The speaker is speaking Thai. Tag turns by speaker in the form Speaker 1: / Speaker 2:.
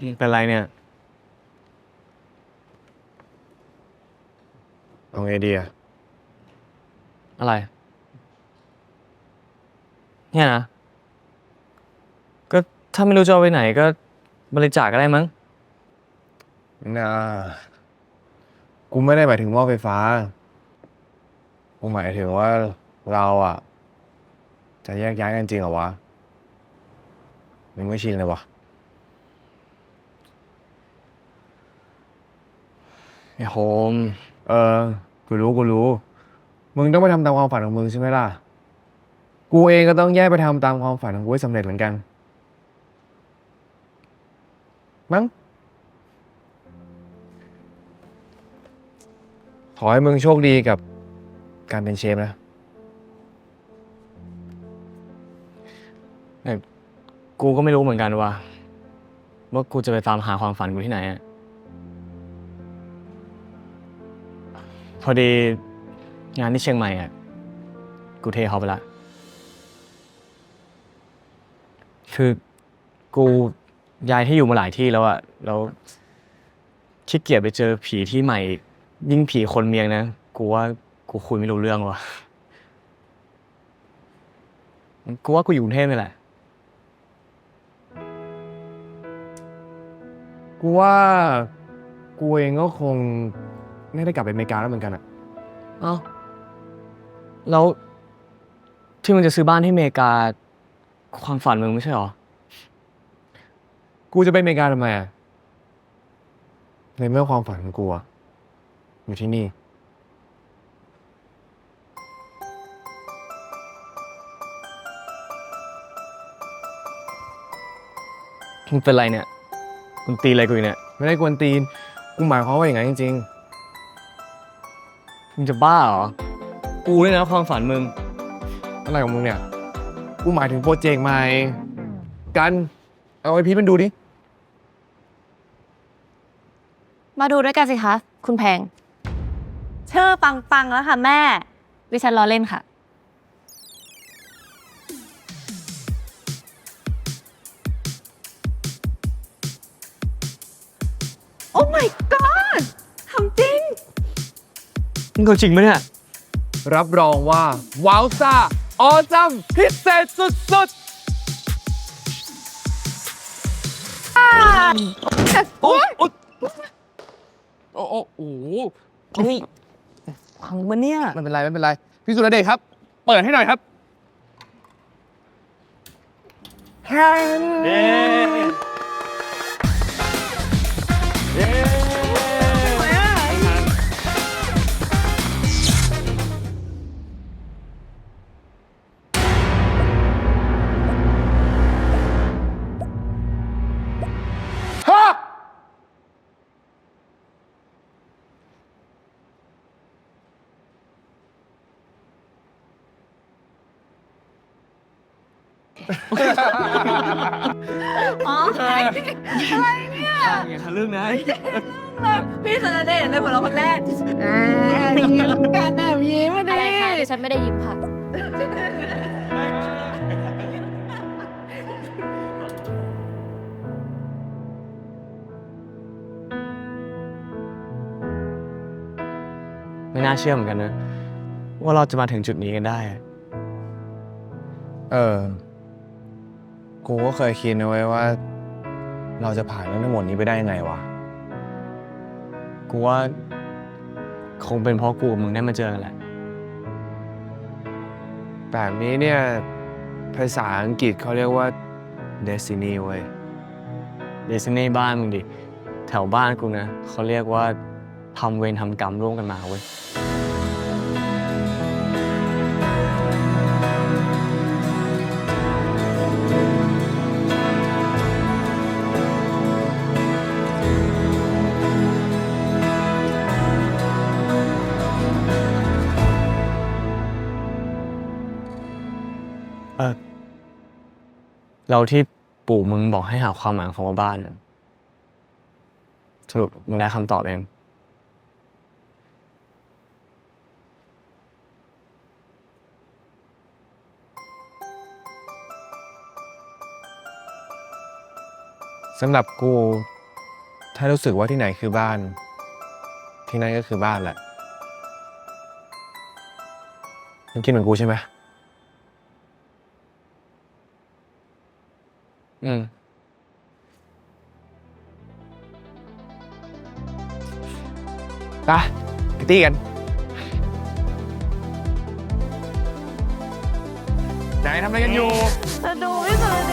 Speaker 1: เป็นไรเนี่ย
Speaker 2: เอาไงดีอะ
Speaker 1: อะไรเนี่ยนะก็ถ้าไม่รู้จะเอาไปไหนก็บริจาคก็ได้มั้ง
Speaker 2: นะกูไม่ได้หมายถึงหม้อไฟฟ้ากูหมายถึงว่าเราอะจะแยกย้ายกันจริงเหรอวะมึงไม่ชินเลยวะ
Speaker 1: ไอ้โฮม
Speaker 2: เออกูรู้มึงต้องไปทำตามความฝันของมึงใช่ไหมล่ะกูเองก็ต้องแยกไปทำตามความฝันของกูให้สำเร็จเหมือนกันมั้งขอให้มึงโชคดีกับการเป็นเชฟนะ
Speaker 1: แต่กูก็ไม่รู้เหมือนกันว่ากูจะไปตามหาความฝันกูที่ไหนอะพอดีงานที่เชียงใหม่อะกูเทเขาไปละคือกูย้ายที่อยู่มาหลายที่แล้วอะแล้วขี้เกียจไปเจอผีที่ใหม่อีกยิ่งผีคนเมียงนะกูว่ากูคุยไม่รู้เรื่องว่ะกูว่ากูอยู่กรุงเทพนี่แหละ
Speaker 2: กูว่ากูเองก็คงไม่ได้กลับไปอเมริกาแล้วเหมือนกันอะ
Speaker 1: เอ้าแล้วที่มึงจะซื้อบ้านที่อเมริกาความฝันมึงไม่ใช่หรอ
Speaker 2: กูจะไปอเมริกาทำไมอะในเมื่อความฝันของกูอะอยู่ที่นี่
Speaker 1: มึงเป็นไรเนี่ยมึงตีอะไรกูอยู่เนี่ย
Speaker 2: ไม่ได้กวนตีน กูหมายความว่าอย่างนั้นจริง
Speaker 1: มึงจะบ้าเหรอกูเนี่ยนะความฝันมึง
Speaker 2: ๆอะไรของมึงเนี่ย กูหมายถึงโปรเจกต์ใหม่ กัน เอาไอพีมันดูดิ
Speaker 3: มาดูด้วยกันสิคะ คุณแพงชื่อปังๆแล้วค่ะแม่ดิฉันล้อเล่นค่ะ โอ้ my god ทำจริง
Speaker 1: มึงเอาจริงไหมเนี่ย
Speaker 2: รับรองว่า ว้าวซ่า ออซัม พิเศษสุดๆ โอ้ยโอ้โอ้โห
Speaker 1: เฮ้ยพังปะเนี่ย
Speaker 2: ไม่เป็นไร ไม่เป็นไร พี่สุรเดชครับ เปิดให้หน่อยครับแฮน
Speaker 1: เย้เย้
Speaker 2: ฮะ
Speaker 3: อ๋ออะไรเนี่ย
Speaker 1: อย่าทะลึ่งนะ
Speaker 3: พี่สุรเดชเลยหัวเราะคนแรกยิ้มกันนะยิ้มอะไรคะดิฉันไม่ได้ยิ้มค่ะ
Speaker 1: ไม่น่าเชื่อเหมือนกันนะว่าเราจะมาถึงจุดนี้กันได้
Speaker 2: เออ กูก็เคยคิดนะเว้ยว่า เราจะผ่านเรื่องทั้งหมดนี้ไปได้ยังไงวะ
Speaker 1: กูว่าคงเป็นเพราะกูกับมึงได้มาเจอกันแหละ
Speaker 2: แบบนี้เนี่ย ภาษาอังกฤษเขาเรียกว่า destiny เว้ย
Speaker 1: เดซิเน่บ้านมึงดิ แถวบ้านกูนะเขาเรียกว่าทำเวรทำกรรมร่วมกันมาเว้ย เราที่ปู่มึงบอกให้หาความหมายของคำว่าบ้านน่ะสรุปมึงได้คำตอบเอง
Speaker 2: สำหรับกู ถ้ารู้สึกว่าที่ไหนคือบ้าน ที่นั่นก็คือบ้านแหละมึงคิดเหมือนกูใช่ไหม
Speaker 1: อืม
Speaker 2: ไปตี้กันไหนทำอะไรกันอยู่
Speaker 3: จะดูพี่สุรเด